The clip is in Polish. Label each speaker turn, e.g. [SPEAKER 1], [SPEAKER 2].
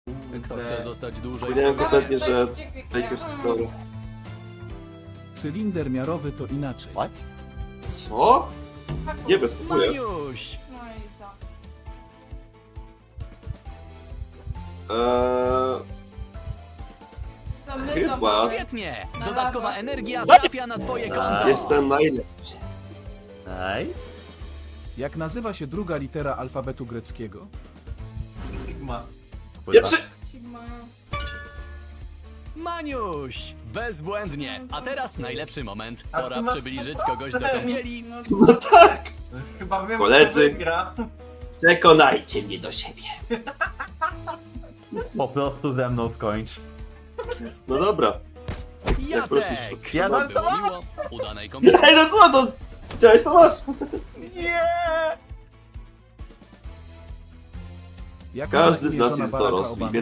[SPEAKER 1] Kto chce zostać dłużej?
[SPEAKER 2] Powiedziałem kompletnie, że Baker Store.
[SPEAKER 3] Cylinder miarowy to inaczej.
[SPEAKER 1] What?
[SPEAKER 2] Co? Nie bezpokuje.
[SPEAKER 1] Maniuś!
[SPEAKER 4] No i co? To my
[SPEAKER 2] Chyba.
[SPEAKER 4] to mamy.
[SPEAKER 1] Świetnie!
[SPEAKER 4] Na
[SPEAKER 1] Dodatkowa
[SPEAKER 4] lawa.
[SPEAKER 1] energia trafia na twoje konto!
[SPEAKER 2] Jestem najlepszy.
[SPEAKER 5] Ej.
[SPEAKER 3] Jak nazywa się druga litera alfabetu greckiego?
[SPEAKER 6] Sigma.
[SPEAKER 2] Pierwszy!
[SPEAKER 4] Sigma.
[SPEAKER 1] Maniuś! Bezbłędnie! A teraz najlepszy moment.
[SPEAKER 6] A
[SPEAKER 1] Pora
[SPEAKER 6] ty masz
[SPEAKER 1] przybliżyć kogoś do kąpieli.
[SPEAKER 4] No,
[SPEAKER 2] No tak!
[SPEAKER 6] To już chyba wiem,
[SPEAKER 2] Koledzy.
[SPEAKER 6] kto wygra.
[SPEAKER 2] Przekonajcie mnie do siebie.
[SPEAKER 5] Po prostu ze mną skończ.
[SPEAKER 2] No dobra. Jak prosisz.
[SPEAKER 1] Jacek!
[SPEAKER 5] Ja
[SPEAKER 1] Było
[SPEAKER 5] dam co?
[SPEAKER 1] miło. Udanej kąpieli.
[SPEAKER 2] Ej, no co to? Chciałeś, to masz.
[SPEAKER 5] Nie!
[SPEAKER 3] Jak
[SPEAKER 2] Każdy
[SPEAKER 3] ma
[SPEAKER 2] z
[SPEAKER 3] imię
[SPEAKER 2] nas
[SPEAKER 3] żona
[SPEAKER 2] jest
[SPEAKER 3] Baracka
[SPEAKER 2] dorosły,
[SPEAKER 3] Obamy?
[SPEAKER 2] wie